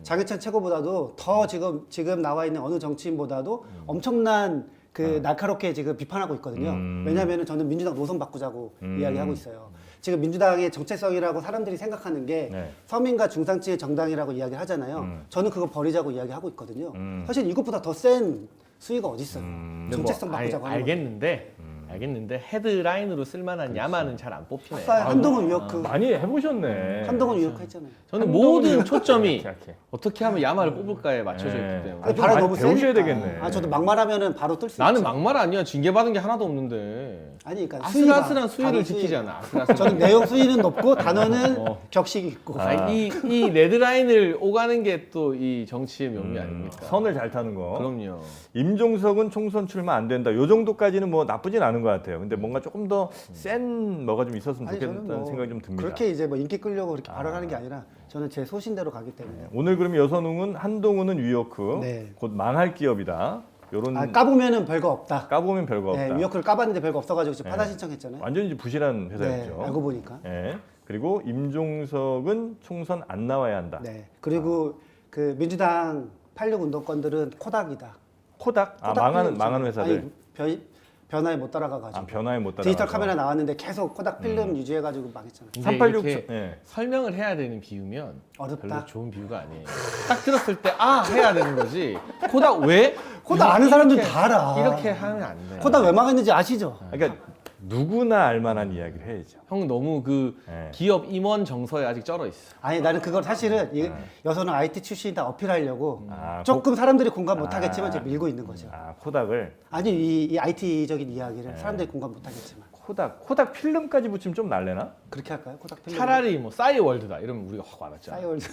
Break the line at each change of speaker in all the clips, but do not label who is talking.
장해찬 최고보다도 더 지금 나와 있는 어느 정치인보다도 엄청난 그 날카롭게 지금 비판하고 있거든요. 왜냐하면 저는 민주당 노선 바꾸자고 이야기하고 있어요. 지금 민주당의 정체성이라고 사람들이 생각하는 게
네.
서민과 중산층의 정당이라고 이야기를 하잖아요. 저는 그거 버리자고 이야기하고 있거든요. 사실 이것보다 더 센 수위가 어디 있어요? 정체성 바꾸자고 하는
알겠는데 헤드라인으로 쓸만한 야마는 잘 안 뽑히네.
아까 한동훈 위협
많이 해보셨네.
한동훈 위협 했잖아요.
저는
한동훈
모든
위협
초점이
약해.
어떻게 하면 야마를 뽑을까에 맞춰져
네.
있기 때문에.
아니,
좀
발을
많이
너무
배우셔야
세니까.
되겠네.
아, 저도 막말하면은 바로 뜰 수
나는
있죠.
막말 아니야. 징계받은 게 하나도 없는데.
아니, 그러니까
아슬아슬한
수위가,
수위를
단어 수위.
지키잖아. 아슬아슬한
저는
수위.
내용 수위는 높고 단어는 격식이 있고.
아니, 이 레드라인을 오가는 게 또 이 정치의 묘미 아닙니까?
선을 잘 타는 거.
그럼요.
임종석은 총선 출마 안 된다. 요 정도까지는 뭐 나쁘진 않은 것 같아요. 근데 뭔가 조금 더 센 뭐가 좀 있었으면
아니, 저는
좋겠다는
뭐
생각이 좀 듭니다.
그렇게 이제 뭐 인기 끌려고 그렇게 발언하는 게 아니라 저는 제 소신대로 가기 때문에.
오늘 그러면 여선웅은 한동훈은 위워크,
네.
곧 망할 기업이다. 요런
아, 까보면은 별거 없다.
까보면 별거 없다.
네, 위워크를 까봤는데 별거 없어가지고 지금
네.
파다 신청했잖아요.
완전히 이제 부실한
네,
회사였죠.
알고 보니까.
예. 그리고 임종석은 총선 안 나와야 한다.
네. 그리고 그 민주당 86 운동권들은 코닥이다.
코닥? 아,
코닥 필름
망하는
있잖아요.
회사들.
아니, 변화에 못 따라가가지고.
아, 변화에 못 따라.
디지털 카메라 나왔는데 계속 코닥 필름 유지해가지고 망했잖아요.
근데
386.
이렇게
예.
설명을 해야 되는 비유면
어렵다.
별로 좋은 비유가 아니에요. 딱 들었을 때 아 해야 되는 거지. 코닥 왜?
코닥 아는 사람들은 다 알아.
이렇게 하면 안 돼.
코닥 왜 망했는지 아시죠?
그러니까 누구나 알만한 이야기를 해야죠.
형 너무 그
네.
기업 임원 정서에 아직 쩔어 있어.
아니 나는 그걸 사실은 여서는 IT 출신이다 어필하려고
아,
조금 사람들이 공감 못하겠지만 제가 밀고 있는 거죠.
아, 코닥을.
아니 이 IT적인 이야기를 사람들이 공감 못하겠지만
코닥 필름까지 붙이면 좀 날래나?
그렇게 할까요? 코닥 필름.
차라리 뭐 싸이월드다 이러면 우리가 확 알았잖아.
싸이월드.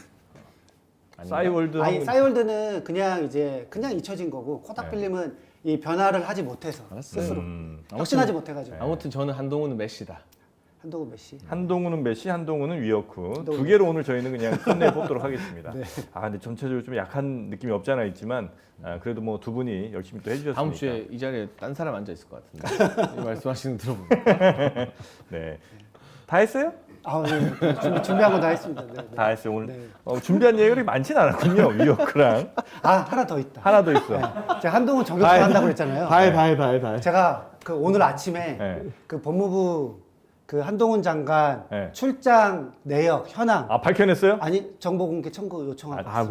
싸이월드.
아니 싸이월드는 그냥 잊혀진 거고 코닥 필름은 이 변화를 하지 못해서
알았어요.
스스로
아무튼-
혁신하지 못해가지고
아무튼 저는 한동훈은 메시다.
한동훈 메시.
한동훈은 메시, 한동훈은 위어크.
한동훈.
두 개로 오늘 저희는 그냥 끝내 뽑도록 하겠습니다.
네.
아, 근데 전체적으로 좀 약한 느낌이 없지 않아 있지만 그래도 뭐 두 분이 열심히 또 해주셨으니까.
다음 주에 이 자리에 딴 사람 앉아 있을 것 같은데. 이 말씀하시는 거 들어보면.
네. 다 했어요?
아, 네. 준비한 거 다 했습니다. 네, 네.
다 했어요. 오늘
네.
준비한 얘기가 그렇게 많진 않았군요. 위어크랑
아 하나 더 있다.
하나 더 있어.
네. 제가 한동훈 저격수 한다고 그랬잖아요.
다
제가 그 오늘 아침에
네.
그 법무부 그 한동훈 장관
네.
출장 내역 현황
아, 밝혀냈어요?
아니 정보 공개 청구 요청하고
아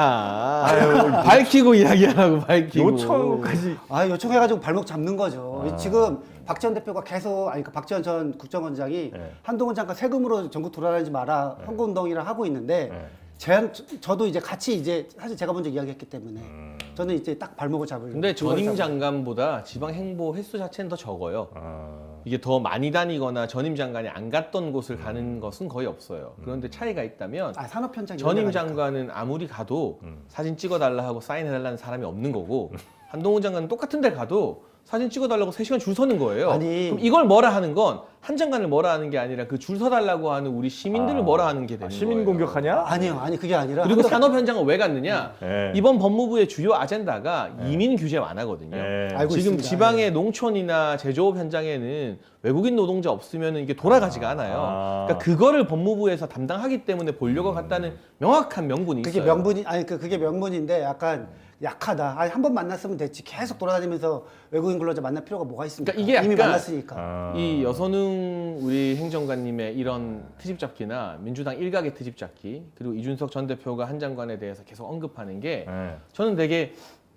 뭐야. 밝히고 이야기하라고 밝히고.
요청한 것까지.
아 요청해가지고 발목 잡는 거죠.
아.
지금 박지원 대표가 계속 그 박지원 전 국정원장이
네.
한동훈 장관 세금으로 전국 돌아다니지 마라 선거운동이라 하고 있는데
네.
저도 이제 같이 이제 사실 제가 먼저 이야기했기 때문에 저는 이제 딱 발목을 잡으려고.
근데 전임
그걸 잡으려고.
장관보다 지방 행보 횟수 자체는 더 적어요.
아,
이게 더 많이 다니거나 전임 장관이 안 갔던 곳을 가는 것은 거의 없어요. 그런데 차이가 있다면
아 산업 현장
전임 장관은 아무리 가도 사진 찍어달라 하고 사인해달라는 사람이 없는 거고 한동훈 장관은 똑같은 데 가도 사진 찍어달라고 3시간 줄 서는 거예요.
아니.
그럼 이걸 뭐라 하는 건 한 장관을 뭐라 하는 게 아니라 그 줄 서달라고 하는 우리 시민들을 뭐라 하는 게 되는
시민
거예요.
공격하냐?
아니요 아니 그게 아니라
그리고 산업 현장을 왜 갔느냐?
네.
이번 법무부의 주요 아젠다가 이민 규제 완화거든요.
네.
알고
지금
있습니다.
지방의 농촌이나 제조업 현장에는 외국인 노동자 없으면 이게 돌아가지가 않아요.
아.
그러니까 그거를 법무부에서 담당하기 때문에 보려고 갔다는 명확한 명분이
그게
있어요.
명분이 아니 그게 명분인데 약간 약하다. 아니 한 번 만났으면 됐지. 계속 돌아다니면서 외국인 근로자 만날 필요가 뭐가 있습니까?
그러니까 이게
이미
약간
만났으니까.
아.
이 여선웅 우리 행정관님의 이런 트집 잡기나 민주당 일각의 트집 잡기 그리고 이준석 전 대표가 한 장관에 대해서 계속 언급하는 게
네.
저는 되게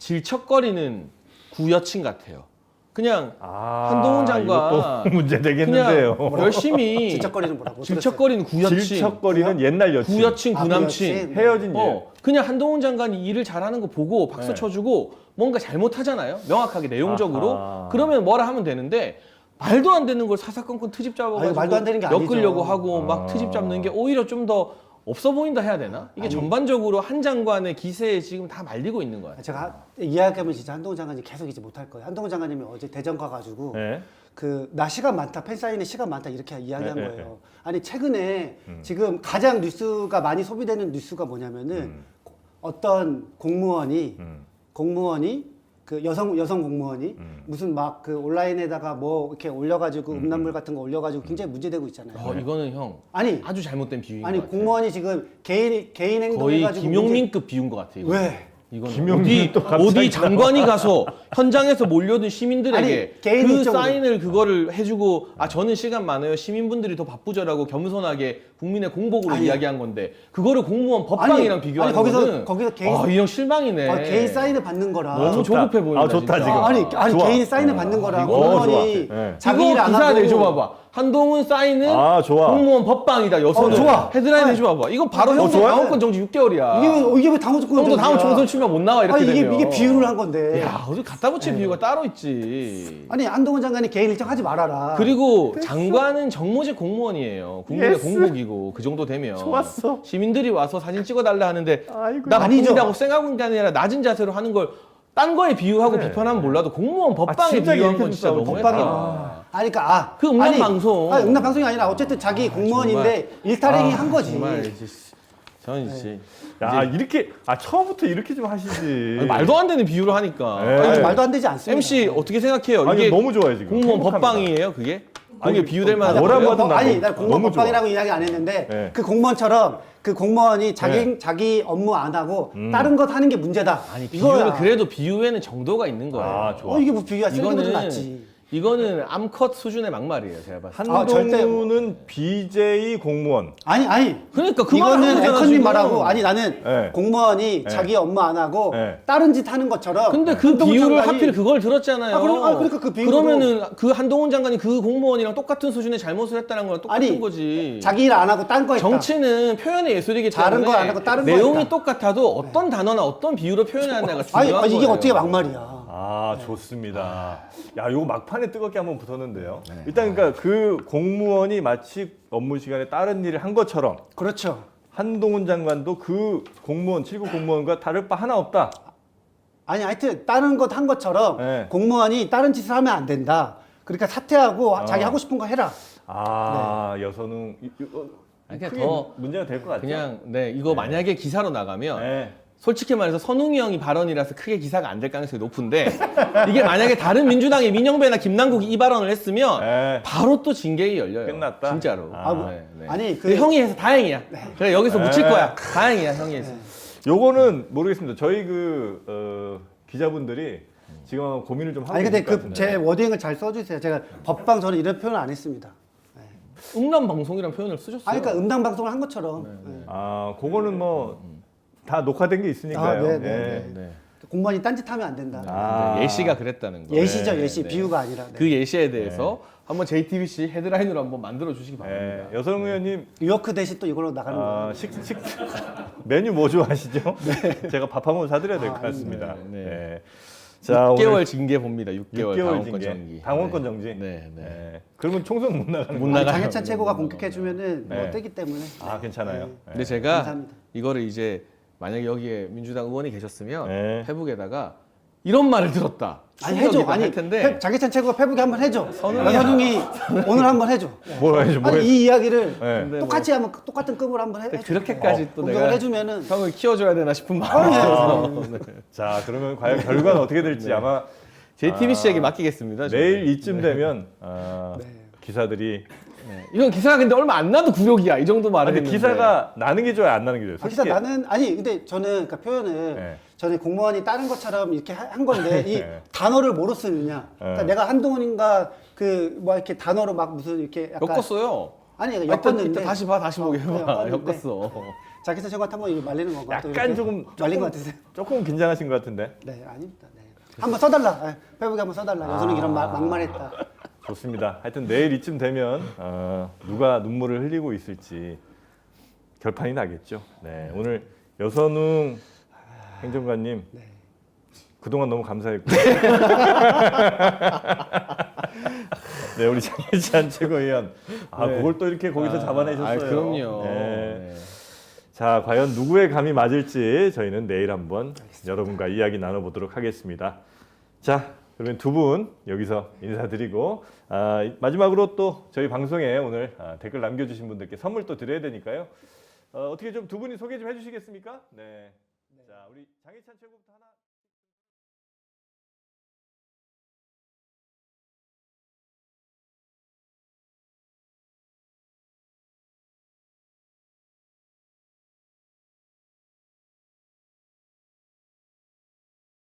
질척거리는 구여친 같아요. 그냥
아,
한동훈 장관
이것도 문제 되겠는데요.
그냥 열심히
질척거리는 뭐라고?
질척거리는 구여친
질척거리는 옛날 여친.
구여친
아,
구남친
구여친.
헤어진 예.
그냥 한동훈 장관이 일을 잘하는 거 보고 박수
네.
쳐주고 뭔가 잘못하잖아요. 명확하게 내용적으로.
아하.
그러면 뭐라 하면 되는데 말도 안 되는 걸 사사건건 트집
아,
잡아가지고
이거 말도 안 되는 게 아니죠.
엮으려고 하고 막
아.
트집 잡는 게 오히려 좀 더 없어 보인다 해야 되나? 이게 전반적으로 한 장관의 기세에 지금 다 말리고 있는 거야.
제가 이야기하면 진짜 한동훈 장관이 계속 이제 못할 거예요. 한동훈 장관님이 어제 대전 가가지고
네.
그 나 시간 많다 팬사인회 시간 많다 이렇게 이야기한
네, 네,
거예요. 아니 최근에 지금 가장 뉴스가 많이 소비되는 뉴스가 뭐냐면은 어떤 공무원이 그 여성 공무원이 무슨 막 그 온라인에다가 뭐 이렇게 올려가지고 음란물 같은 거 올려가지고 굉장히 문제되고 있잖아요.
이거는 형
아니
아주 잘못된 비유인
아니
것 같아요.
공무원이 지금 개인
거의
행동해가지고
김용민급 비유인 것 같아요. 이거.
왜?
이건
김용민이 또 갑자기
어디 장관이 가서 현장에서 몰려든 시민들에게
아니, 개인
그
입장으로.
사인을 그거를 해주고 저는 시간 많아요 시민분들이 더 바쁘죠라고 겸손하게 국민의 공복으로
아니.
이야기한 건데 그거를 공무원 법방이랑 비교하는
거기서
거는
개인
이형 실망이네.
개인 사인을 받는 거라.
너무 조급해 보인다.
좋다,
진짜.
지금.
아니
좋아.
개인 사인을 받는 거라.
이거
공무원이
좋아. 네.
자기
이거
일 안
기사
하고
내줘봐봐. 한동훈 사인은
좋아.
공무원 법방이다 여서는
좋아.
헤드라인
아니.
해줘봐봐. 이거 바로 형도
좋아요?
당원권 정지 6개월이야.
이게 왜 당원 조건
형도 다음 총선 치면 못 나와 이렇게
아니
되면.
이게 비유를 한 건데.
야 어디 갖다 붙일 비유가 따로 있지.
아니 한동훈 장관이 개인 일정 하지 말아라.
그리고 장관은 정모직 공무원이에요. 국민의
예스.
공복이고 그 정도 되면
좋았어.
시민들이 와서 사진 찍어달라 하는데
아이고.
나
아니죠.
바쁜다고 생각하고 있는 게 아니라 낮은 자세로 하는 걸 딴 거에 비유하고
그래.
비판하면 몰라도 공무원 법방에
진짜
비유한
이렇게
건 진짜
진짜
너무했다.
법방이- 아니 그러니까
그 음란 방송.
음란 방송이 아니라 어쨌든 자기 공무원인데 일탈행위 한 거지.
정말 이제 저는 이제
야 이렇게 처음부터 이렇게 좀 하시지.
아니, 말도 안 되는 비유를 하니까.
네.
아니,
아니,
말도 안 되지 않습니다.
MC 어떻게 생각해요?
아니
이게
너무 좋아요 지금.
공무원
행복합니다.
법방이에요, 그게?
아니,
그게 비유될 만한
뭐라고
거예요?
하든 나
아니
너무-
나 공무원
너무 좋아.
법방이라고 이야기 안 했는데
네.
그 공무원처럼 그 공무원이
네.
자기 업무 안 하고 다른 것 하는 게 문제다.
아니
이거야.
비유는 그래도 비유에는 정도가 있는 거예요.
좋아.
이게 뭐 비유야? 쓰레기보다 낫지.
이거는 암컷 수준의 막말이에요, 제가 봤을 때.
한동훈은 BJ 공무원.
아니
그러니까 그 말을
이거는
하는 거잖아,
앵커님
지금.
말하고 아니 나는
네.
공무원이 자기 업무 안 하고
네.
다른 짓 하는 것처럼
근데 그
한동훈
비유를
장관이
하필 그걸 들었잖아요.
그러니까 그 비유로-
그러면은 그 한동훈 장관이 그 공무원이랑 똑같은 수준의 잘못을 했다는 거랑 똑같은
아니,
거지.
자기 일 안 하고 딴 거 했다.
정치는 표현의 예술이기
다른
때문에
거안 하고 다른 거
내용이
했다.
똑같아도 어떤 단어나 어떤 비유로 표현하느냐가
아니
중요한
이게
거예요.
어떻게 막말이야?
좋습니다. 야, 요거 막판에 뜨겁게 한번 붙었는데요. 일단 그러니까 그 공무원이 마치 업무 시간에 다른 일을 한 것처럼
그렇죠.
한동훈 장관도 그 공무원 7급 공무원과 다를 바 하나 없다.
아니 하여튼 다른 것 한 것처럼
네.
공무원이 다른 짓을 하면 안 된다. 그러니까 사퇴하고 자기 하고 싶은 거 해라.
여선웅
그러니까
크게
더
문제가 될 것 같죠.
그냥 이거 만약에 기사로 나가면
네.
솔직히 말해서 선웅이 형이 발언이라서 크게 기사가 안 될 가능성이 높은데 이게 만약에 다른 민주당의 민영배나 김남국이 이 발언을 했으면
네.
바로 또 징계가 열려요.
끝났다?
진짜로.
아니
근데 형이 해서 다행이야. 그래 여기서 묻힐
네.
거야. 다행이야 형이 해서.
요거는 모르겠습니다. 저희 기자분들이 지금 아마 고민을 좀 하고
아니 근데
있을 것
그
같은데.
제 워딩을 잘 써주세요. 제가 법방 저는 이런 표현 안 했습니다.
음란 방송이란 표현을 쓰셨어요.
아니 그러니까 음당 방송을 한 것처럼 네.
그거는 뭐 다 녹화된 게 있으니까요.
네,
예.
네,
네.
공무원이 딴짓하면 안 된다.
아.
예시가 그랬다는 거.
예시죠
네,
예시
네.
비유가 아니라. 네.
그 예시에 대해서 한번 JTBC 헤드라인으로 한번 만들어 주시기 바랍니다.
예. 여성 의원님
뉴요크 대신 또 이걸로 나가는 거예요.
메뉴 뭐 좋아하시죠? 제가 밥 한 번 사드려야 될 것 같습니다.
네, 네.
예. 자,
6개월
오늘
징계 봅니다. 6개월
6개월
당원권
징계.
정지.
당원권
네.
정지.
네, 네.
예. 그러면 총선 못 나가는
못
거예요.
나가요.
장해찬 최고가 공격해주면은 뭐
네.
뜨기 때문에.
괜찮아요.
네.
예.
근데 제가
감사합니다.
이거를 이제 만약에 여기에 민주당 의원이 계셨으면
네.
페북에다가 이런 말을 들었다.
아니 해줘.
충격이다
아니
할 텐데
장해찬 최고가 페북에 한번 해줘.
선웅이야.
이현웅이 오늘 한번 해줘.
뭘 해야지, 뭘
아니 이 이야기를
네.
근데
똑같이 하면 똑같은 급으로 한번 해.
그렇게까지 또
공격을
내가
해주면은
형을 키워줘야 되나 싶은 마음에서 네.
자, 그러면 과연 결과는 어떻게 될지 아마
JTBC에게 맡기겠습니다. 저는.
내일 이쯤 되면
네.
기사들이
네. 이건 기사가 근데 얼마 안 나도 굴욕이야. 이 정도 말을
근데
했는데.
기사가 나는 게 좋아요, 안 나는 게 좋아요?
기사
솔직히.
나는 아니 근데 저는 그러니까 표현을
네.
저는 공무원이 다른 것처럼 이렇게 한 건데 이
네.
단어를 뭐로 쓰느냐. 그러니까
네.
내가 한동훈인가 그 뭐 이렇게 단어로 막 무슨 이렇게 약간
엮었어요.
아니
이따
엮었는데
다시 봐, 다시 보게 해봐.
엮었는데.
엮었어.
장해찬 최고한테 한번 이거 말리는 건가? 또
약간
이렇게?
조금
말린 것 같으세요?
조금 긴장하신 것 같은데.
네 아닙니다. 네. 한번 써달라. 네, 페북에 한번 써달라. 여선이 이런 막말했다.
좋습니다. 하여튼 내일 이쯤 되면 누가 눈물을 흘리고 있을지 결판이 나겠죠. 네, 오늘 여선웅 행정관님
네.
그동안 너무 감사했고 네, 우리 장혜찬 최고위원
네.
그걸 또 이렇게 거기서 잡아내셨어요.
그럼요.
네.
네.
자, 과연 누구의 감이 맞을지 저희는 내일 한번 여러분과 이야기 나눠보도록 하겠습니다. 자, 그러면 두 분 여기서 인사드리고 마지막으로 또 저희 방송에 오늘 댓글 남겨주신 분들께 선물 또 드려야 되니까요. 어떻게 좀 두 분이 소개 좀 해주시겠습니까? 네. 자, 우리 장혜찬 최고부터 하나.